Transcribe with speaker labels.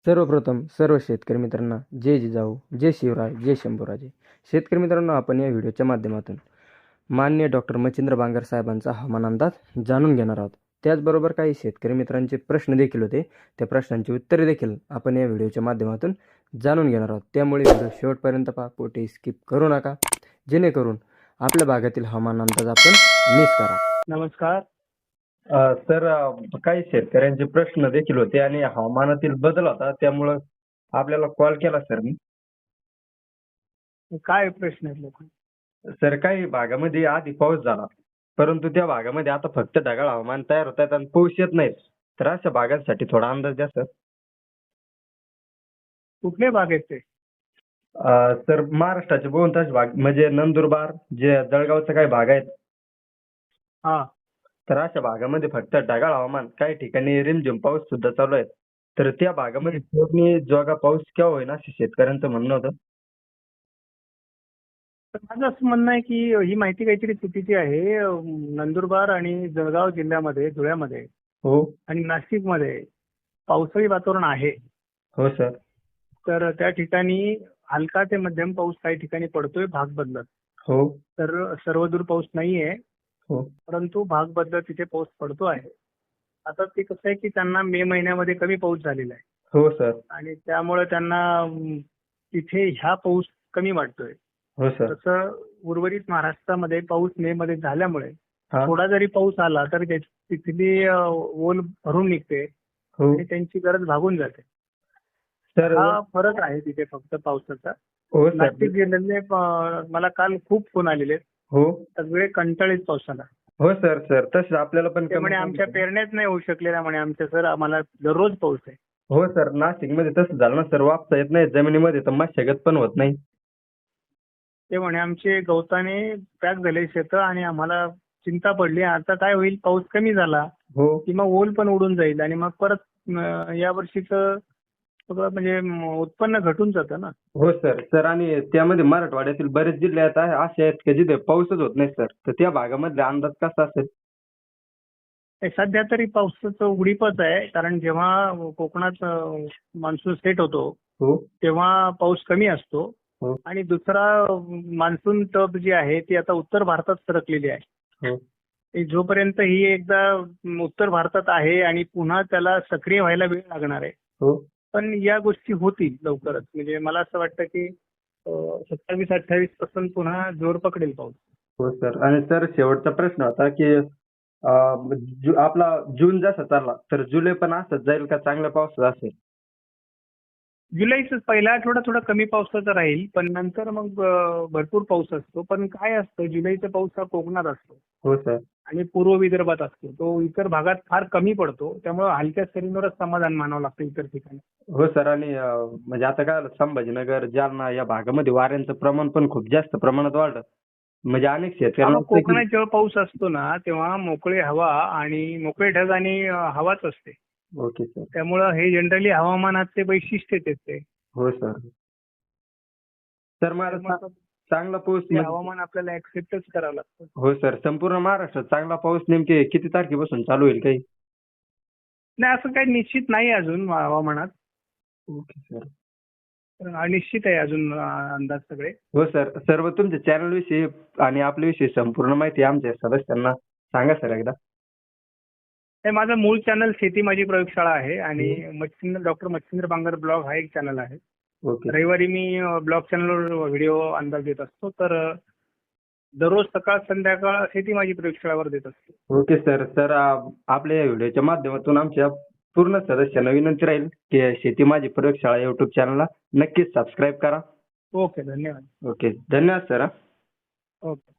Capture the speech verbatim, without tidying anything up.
Speaker 1: सर्वप्रथम सर्व शेतकरी मित्रांना जय जिजाऊ, जय शिवराय, जय शंभूराजे. शेतकरी मित्रांनो, आपण या व्हिडिओच्या माध्यमातून माननीय डॉक्टर मच्छिंद्र बांगर साहेबांचा हवामान अंदाज जाणून घेणार आहोत. त्याचबरोबर काही शेतकरी मित्रांचे प्रश्न देखील होते, त्या प्रश्नांची उत्तरे देखील आपण या व्हिडिओच्या माध्यमातून जाणून घेणार आहोत. त्यामुळे व्हिडिओ शेवटपर्यंत पहा, कुठेही स्किप करू नका, जेणेकरून आपल्या भागातील हवामान अंदाज आपण मिस करा.
Speaker 2: नमस्कार.
Speaker 3: अ, सर अ, काही शेतकऱ्यांचे प्रश्न देखील होते आणि हवामानातील बदल होता, त्यामुळं आपल्याला कॉल केला सर मी.
Speaker 2: काय प्रश्न आहेत लोक?
Speaker 3: सर, काही भागामध्ये आधी पाऊस झाला, परंतु त्या भागामध्ये आता फक्त ढगाळ हवामान तयार होत आहेत आणि पाऊस येत नाही. तर अशा भागांसाठी थोडा अंदाज द्या सर.
Speaker 2: कुठले भाग आहेत ते?
Speaker 3: अ, सर, महाराष्ट्राचे बहुतांश भाग म्हणजे नंदुरबार, जे जळगावचा काही भाग आहेत,
Speaker 2: हा.
Speaker 3: तर अशा भागामध्ये फक्त ढगाळ हवामान, काही ठिकाणी रिमझिम पाऊस सुद्धा चालू आहे. तर त्या भागामध्ये पेरणी जोगा पाऊस केव्हा होईल असं शेतकऱ्यांचं म्हणणं होतं.
Speaker 2: तर माझं असं म्हणणं आहे की ही माहिती काहीतरी चुकीची आहे. अं, नंदुरबार आणि जळगाव जिल्ह्यामध्ये, धुळ्यामध्ये
Speaker 3: हो
Speaker 2: आणि नाशिकमध्ये पावसाळी वातावरण आहे.
Speaker 3: हो सर.
Speaker 2: तर त्या ठिकाणी हलका ते मध्यम पाऊस काही ठिकाणी पडतोय भाग बदलत.
Speaker 3: हो
Speaker 2: तर सर्वदूर पाऊस नाहीये,
Speaker 3: हो
Speaker 2: परंतु भाग बदलत तिथे पाऊस पडतो आहे. आता ते कसं आहे की त्यांना मे महिन्यामध्ये कमी पाऊस झालेला आहे
Speaker 3: हो सर.
Speaker 2: आणि त्यामुळे त्यांना अं, तिथे ह्या पाऊस कमी वाटतोय.
Speaker 3: हो सर.
Speaker 2: तसं उर्वरित महाराष्ट्रामध्ये पाऊस मे मध्ये झाल्यामुळे
Speaker 3: हा.
Speaker 2: थोडा जरी पाऊस आला तर त्याची- तिथली अ, ओल भरून निघते
Speaker 3: हो
Speaker 2: आणि त्यांची गरज भागून जाते.
Speaker 3: सर.
Speaker 2: हा फरक आहे तिथे फक्त पावसाचा.
Speaker 3: हो सर.
Speaker 2: नाशिक जिल्ह्यातले अ, मला काल खूप फोन आलेले,
Speaker 3: हो
Speaker 2: सगळे कंटाळीत पावसाला.
Speaker 3: हो सर. सर, तसं आपल्याला पण
Speaker 2: ते म्हणे
Speaker 3: कमी
Speaker 2: आमच्या
Speaker 3: पाऊस-
Speaker 2: पेरण्याच नाही होऊ शकलेल्या म्हणे आमच्या, सर आम्हाला दररोज पाऊस आहे.
Speaker 3: हो सर, नाशिकमध्ये तसं झालं ना सर, वापसा येत नाही जमिनीमध्ये, तर मशागत पण होत नाही.
Speaker 2: ते म्हणे आमचे गवताने पॅक झाले शेतं आणि आम्हाला चिंता पडली, आता काय होईल, पाऊस कमी झाला
Speaker 3: हो
Speaker 2: की मग ओल पण उडून जाईल आणि मग परत अं, या वर्षीचं सगळं म्हणजे म, उत्पन्न घटून जातं ना.
Speaker 3: हो सर. सर, आणि त्यामध्ये मराठवाड्यातील बरेच जिल्हे आहेत आहे- असे आहेत की जिथे पाऊसच होत नाही सर, तर त्या भागामधला अंदाज कसा असेल?
Speaker 2: हे सध्या तरी पावसाचं उघडीपच आहे, कारण जेव्हा कोकणात मान्सून सेट होतो
Speaker 3: हो
Speaker 2: तेव्हा पाऊस कमी असतो
Speaker 3: हो
Speaker 2: आणि दुसरा मान्सून टब जी आहे ती आता उत्तर भारतात सरकलेली आहे.
Speaker 3: हो
Speaker 2: ती जोपर्यंत ही एकदा उत्तर भारतात आहे आणि पुन्हा त्याला सक्रिय व्हायला वेळ लागणार आहे.
Speaker 3: हो
Speaker 2: पण या गोष्टी होतील लवकरच. म्हणजे मला असं वाटतं की सत्तावीस अठ्ठावीस पासून पुन्हा जोर पकडेल पाऊस.
Speaker 3: हो सर. आणि सर, शेवटचा प्रश्न होता की अं, जु- आपला जून जसा चालला तर जुलै पण असंच जाईल का, चांगल्या पावसाचा असेल?
Speaker 2: जुलैचा पहिला आठवडा थोडा कमी पावसाचा राहील, पण नंतर मग अं, भरपूर पाऊस असतो. पण काय असतं, जुलैचा पाऊस हा कोकणात असतो
Speaker 3: हो सर.
Speaker 2: आणि पूर्व विदर्भात असतो. तो इतर भागात फार कमी पडतो, त्यामुळे हलक्या सरींवरच समाधान मानावं लागतं इतर ठिकाणी.
Speaker 3: हो सर. आणि अं, म्हणजे आता काय झालं, संभाजीनगर, जालना या भागामध्ये वाऱ्यांचं प्रमाण पण खूप जास्त प्रमाणात वाढलं. म्हणजे अनेक
Speaker 2: हा,
Speaker 3: शेतकऱ्यांना
Speaker 2: मग
Speaker 3: वाटतं की-
Speaker 2: कोकणात जेव्हा पाऊस असतो ना तेव्हा मोकळी हवा आणि मोकळे ढग आणि अं, हवाच असते.
Speaker 3: Okay sir.
Speaker 2: त्यामुळं हे जनरली हवामानाचे वैशिष्ट्यच आहेत ते.
Speaker 3: हो सर. सर, मला
Speaker 2: त्यामुळं
Speaker 3: चा- चांगला पाऊस
Speaker 2: ते
Speaker 3: म्हणजे-
Speaker 2: हवामान आपल्याला ऍक्सेप्टच करावं लागतं.
Speaker 3: हो सर. संपूर्ण महाराष्ट्रात चांगला पाऊस नेमके किती तारखेपासून चालू होईल काही?
Speaker 2: नाही, असं काही निश्चित नाही अजून हवामानात.
Speaker 3: Okay sir.
Speaker 2: अनिश्चित आहे अजून अं, अंदाज सगळे.
Speaker 3: हो सर. सर्व तुमच्या चॅनल विषयी आणि आपल्याविषयी संपूर्ण माहिती आमच्या सदस्यांना सांगा सर एकदा.
Speaker 2: हे माझं मूळ चॅनल शेती माझी प्रयोगशाळा आहे आणि मच्छिंद्र डॉक्टर मच्छिंद्र बांगर ब्लॉग हा एक चॅनल आहे.
Speaker 3: ओके.
Speaker 2: रविवारी मी ब्लॉग चॅनलवर व्हिडिओ अंदाज देत असतो. तर अं, दररोज सकाळ संध्याकाळ शेती माझी प्रयोगशाळावर देत असतो.
Speaker 3: Okay sir. तर अं, आपल्या या व्हिडिओच्या माध्यमातून आमच्या पूर्ण सदस्यांना विनंती राहील की शेती माझी प्रयोगशाळा युट्यूब चॅनलला नक्कीच सबस्क्राईब करा.
Speaker 2: ओके, धन्यवाद.
Speaker 3: ओके. धन्यवाद सर.
Speaker 2: ओके.